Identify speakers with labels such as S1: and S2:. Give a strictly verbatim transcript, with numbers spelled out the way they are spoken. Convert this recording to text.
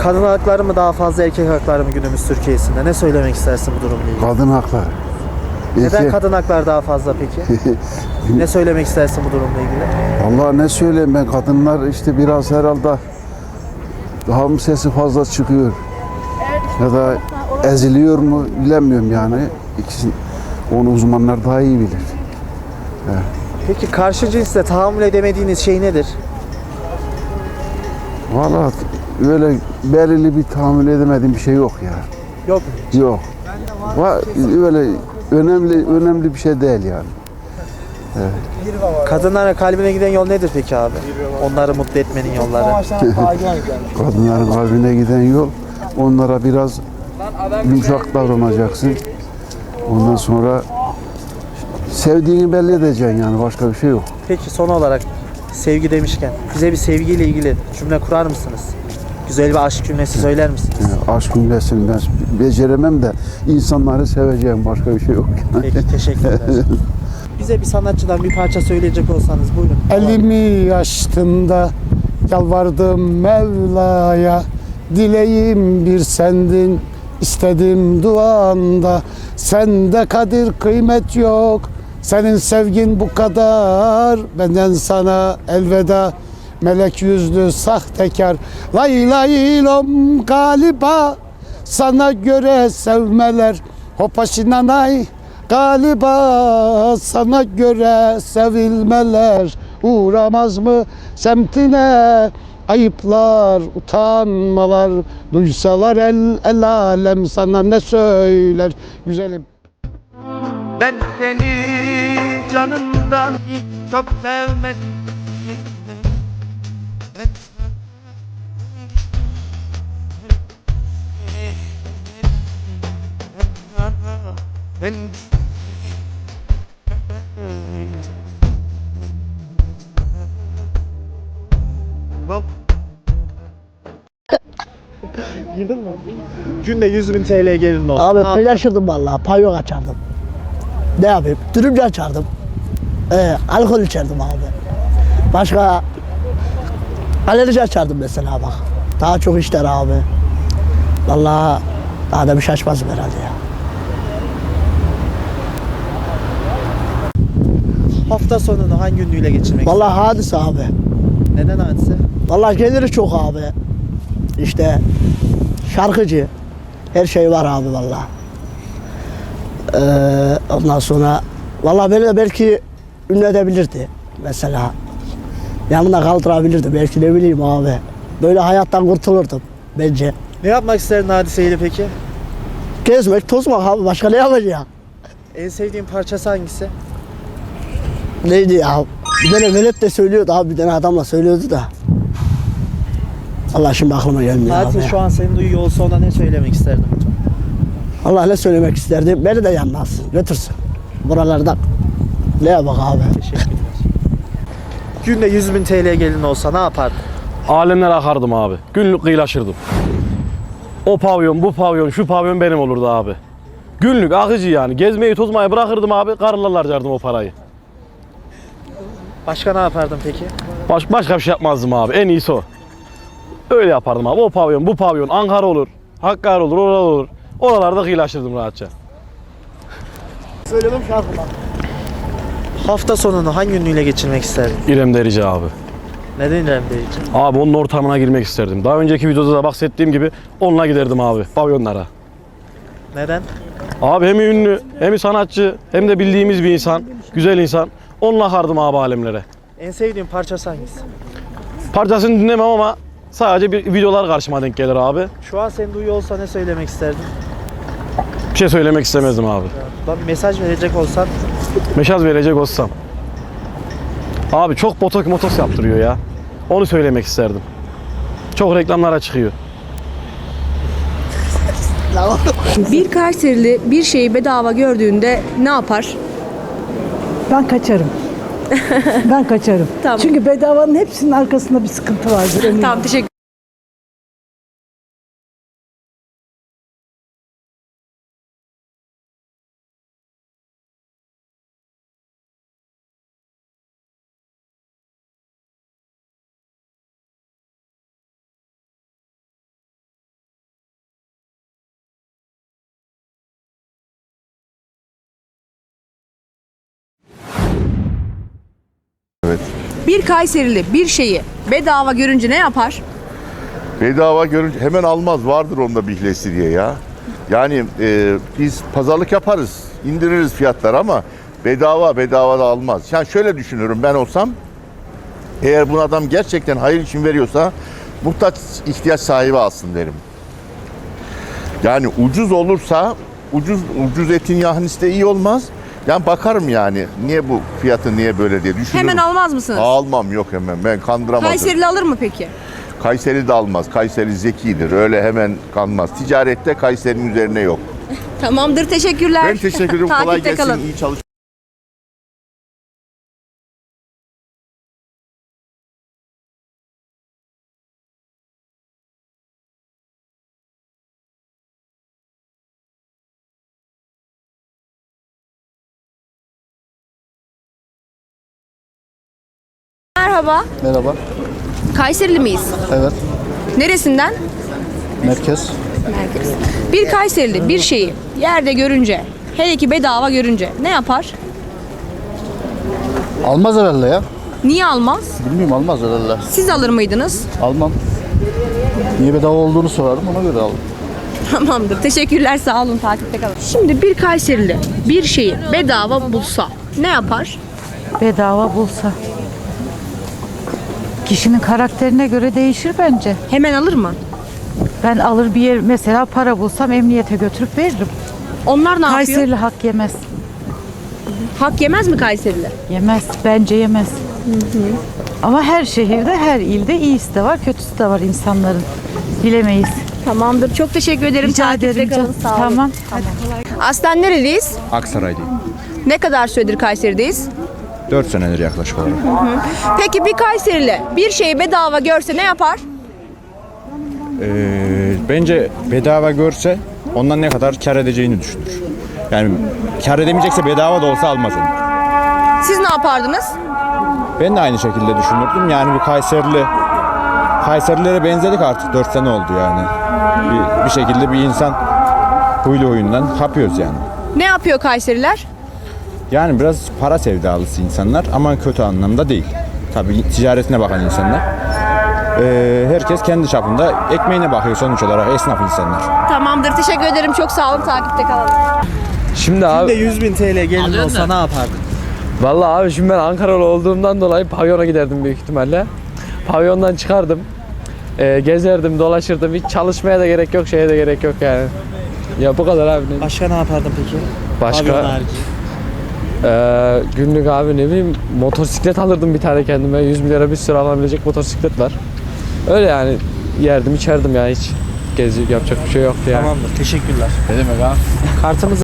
S1: Kadın hakları mı daha fazla, erkek hakları mı günümüz Türkiye'sinde? Ne söylemek istersin bu durumla ilgili?
S2: Kadın hakları.
S1: Neden
S2: Erkek-
S1: kadın hakları daha fazla peki? Ne söylemek istersin bu durumla ilgili?
S2: Vallahi ne söyleyeyim ben, kadınlar işte biraz herhalde daha mı sesi fazla çıkıyor ya da eziliyor mu bilemiyorum yani. İkisi, onu uzmanlar daha iyi bilir.
S1: Peki karşı cinsle tahammül edemediğiniz şey nedir?
S2: Vallahi öyle belirli bir tahammül edemediğim bir şey yok ya.
S1: Yok mu?
S2: Yok. Va öyle önemli önemli bir şey değil yani.
S1: Kadınlara kalbine giden yol nedir peki abi? Onları mutlu etmenin yolları.
S2: Kadınların kalbine giden yol, onlara biraz yumuşak davranacaksın. Ondan sonra sevdiğini belli edeceksin yani, başka bir şey yok.
S1: Peki son olarak sevgi demişken bize bir sevgiyle ilgili cümle kurar mısınız? Güzel bir aşk cümlesi söyler misiniz?
S2: Yani aşk cümlesini ben beceremem de insanları seveceğim, başka bir şey yok.
S1: Peki teşekkürler. Bize bir sanatçıdan bir parça söyleyecek olsanız buyurun.
S3: Elimi açtım da yalvardım Mevla'ya, dileğim bir sendin, istedim duanda. Sende kadir kıymet yok, senin sevgin bu kadar. Benden sana elveda, melek yüzlü sahtekar. Lay lay lom galiba sana göre sevmeler. Hopaşinanay galiba sana göre sevilmeler. Uğramaz mı semtine ayıplar, utanmalar. Duysalar el el alem sana ne söyler güzelim.
S4: Ben seni canımdan çok sevmedim. Ben Bak
S1: Girdin mi? Günde yüz bin T L gelirin olsun.
S5: Abi
S1: Ne yap-
S5: paylaşırdım vallahi, pavyon açardım. Ne yapayım? Dürümcü açardım. Ee, alkol içerdim abi. Başka alerji açardım mesela bak. Daha çok işler abi. Vallahi daha da bir şaşmazım herhalde ya.
S1: Hafta sonunu hangi ünlüyle geçirmek
S5: Vallahi hadise abi.
S1: istersin? Neden hadise?
S5: Vallahi geliri çok abi. İşte şarkıcı. Her şey var abi vallahi. Ee, ondan sonra vallahi beni de belki ünlü edebilirdi mesela. Yanına kaldırabilirdi belki, ne bileyim abi. Böyle hayattan kurtulurdum bence.
S1: Ne yapmak isterdin hadiseyle peki?
S5: Gezmek, tozmak abi, başka ne yapacağım?
S1: En sevdiğin parçası hangisi?
S5: Neydi ya? Bir tane velet de söylüyordu abi, bir tane adamla söylüyordu da. Allah şimdi aklıma gelmiyor
S1: Hadise
S5: abi.
S1: şu an seni duyuyor olsa ona ne söylemek isterdin hocam?
S5: Allah ne söylemek isterdi? Beni de yanmaz, götürsün. Buralardan. Ne yapak abi?
S1: Teşekkürler. Günde yüz bin T L gelin olsa ne yapardın?
S6: Alemler akardım abi. Günlük kıyılaşırdım. O pavyon, bu pavyon, şu pavyon benim olurdu abi. Günlük akıcı yani. Gezmeyi, tozmayı bırakırdım abi. Karılarla harcardım o parayı.
S1: Başka ne yapardın peki?
S6: Baş, başka bir şey yapmazdım abi. En iyisi o. Öyle yapardım abi. O pavyon, bu pavyon. Ankara olur, Hakkari olur, oralar olur. Oralarda kıyılaşırdım rahatça.
S5: Söylemem şarkı bak.
S1: Hafta sonunu hangi ünlüyle geçirmek isterdin?
S6: İrem Derici abi.
S1: Neden İrem Derici?
S6: Abi onun ortamına girmek isterdim. Daha önceki videoda da bahsettiğim gibi onunla giderdim abi pavyonlara.
S1: Neden?
S6: Abi hem ünlü, hem sanatçı, hem de bildiğimiz bir insan, güzel insan. Onunla akardım abi alemlere.
S1: En sevdiğin parçası hangisi?
S6: Parçasını dinlemem ama sadece bir videolar karşıma denk gelir abi.
S1: Şu an seni duyuyor olsa ne söylemek isterdin?
S6: Bir şey söylemek istemezdim abi.
S1: Bana bir mesaj verecek olsan
S6: Meşaz verecek olsam. Abi çok botoks motos yaptırıyor ya. Onu söylemek isterdim. Çok reklamlara çıkıyor.
S7: Bir Kayserili bir şeyi bedava gördüğünde ne yapar?
S8: Ben kaçarım. Ben kaçarım.
S7: Tamam.
S8: Çünkü bedavanın hepsinin arkasında bir sıkıntı vardır. eminim.
S7: Tamam, teşekkür Bir Kayserili bir şeyi bedava görünce ne yapar?
S9: Bedava görünce hemen almaz. Vardır onda bir hilesi diye ya. Yani e, biz pazarlık yaparız. İndiririz fiyatlar ama bedava bedava da almaz. Yani şöyle düşünürüm ben olsam. Eğer bu adam gerçekten hayır için veriyorsa muhtaç ihtiyaç sahibi alsın derim. Yani ucuz olursa ucuz ucuz etin yahnisi de iyi olmaz. Yani bakarım yani niye bu fiyatı niye böyle diye düşünürüm.
S7: Hemen almaz mısınız?
S9: Almam yok hemen ben kandıramazım.
S7: Kayserili alır mı peki?
S9: Kayseri de almaz. Kayseri zekidir. Öyle hemen kanmaz. Ticarette Kayseri'nin üzerine yok.
S7: Tamamdır, teşekkürler.
S9: Ben teşekkür ederim. Kolay
S7: Takipte
S9: gelsin.
S7: kalın.
S9: İyi çalış.
S7: Merhaba.
S3: Merhaba.
S7: Kayserili miyiz?
S3: Evet.
S7: Neresinden?
S3: Merkez.
S7: Merkez. Bir Kayserili bir şeyi yerde görünce, hele ki bedava görünce ne yapar?
S3: Almaz herhalde ya.
S7: Niye almaz?
S3: Bilmiyorum, almaz herhalde.
S7: Siz alır mıydınız?
S3: Almam. Niye bedava olduğunu sorarım, ona göre alırım.
S7: Tamamdır. Teşekkürler. Sağ olun. Takipte kalın. Şimdi bir Kayserili bir şeyi bedava bulsa ne yapar?
S10: Bedava bulsa. Kişinin karakterine göre değişir bence.
S7: Hemen alır mı?
S10: Ben alır bir yer mesela para bulsam emniyete götürüp veririm.
S7: Onlar ne yapıyor?
S10: Kayserili hak yemez.
S7: Hak yemez mi Kayserili?
S10: Yemez. Bence yemez. Ama her şehirde, her ilde iyisi de var, kötüsü de var insanların. Bilemeyiz.
S7: Tamamdır. Çok teşekkür ederim.
S10: Rica
S7: Takipte
S10: ederim.
S7: kalın.
S10: canım.
S7: Sağ olun.
S10: Tamam.
S7: Aslen nereliyiz?
S11: Aksaray'dayım.
S7: Ne kadar süredir Kayseri'deyiz?
S11: dört senedir yaklaşık olarak.
S7: Peki bir Kayserili bir şeyi bedava görse ne yapar?
S11: Ee, bence bedava görse ondan ne kadar kar edeceğini düşünür. Yani kar edemeyecekse bedava da olsa almaz onu.
S7: Siz ne yapardınız?
S11: Ben de aynı şekilde düşünürdüm. Yani bir Kayserili Kayserililere benzedik artık. dört sene oldu yani. Bir, bir şekilde bir insan huylu huyundan kapıyoruz yani.
S7: Ne yapıyor Kayseriler?
S11: Yani biraz para sevdalısı insanlar ama kötü anlamda değil. Tabii ticaretine bakan insanlar. Ee, herkes kendi çapında ekmeğine bakıyor sonuç olarak, esnaf insanlar.
S7: Tamamdır. Teşekkür ederim. Çok sağ olun. Takipte kalın.
S1: Şimdi abi. Şimdi yüz bin T L gelin olsa ne yapardın?
S6: Vallahi abi şimdi ben Ankaralı olduğumdan dolayı pavyona giderdim büyük ihtimalle. Pavyondan çıkardım. Ee, gezerdim, dolaşırdım. Hiç çalışmaya da gerek yok, şeye de gerek yok yani. Ya bu kadar abi.
S1: Başka ne yapardın peki?
S6: Başka
S1: Pavyon harici.
S6: Ee, günlük abi ne bileyim motosiklet alırdım bir tane kendime. yüz milyara bir sürü alabilecek motosiklet var. Öyle yani yerdim içerdim ya hiç. Gezi yapacak bir şey yoktu yani.
S1: Tamamdır. Teşekkürler.
S6: Ne demek abi?
S1: Kartımızı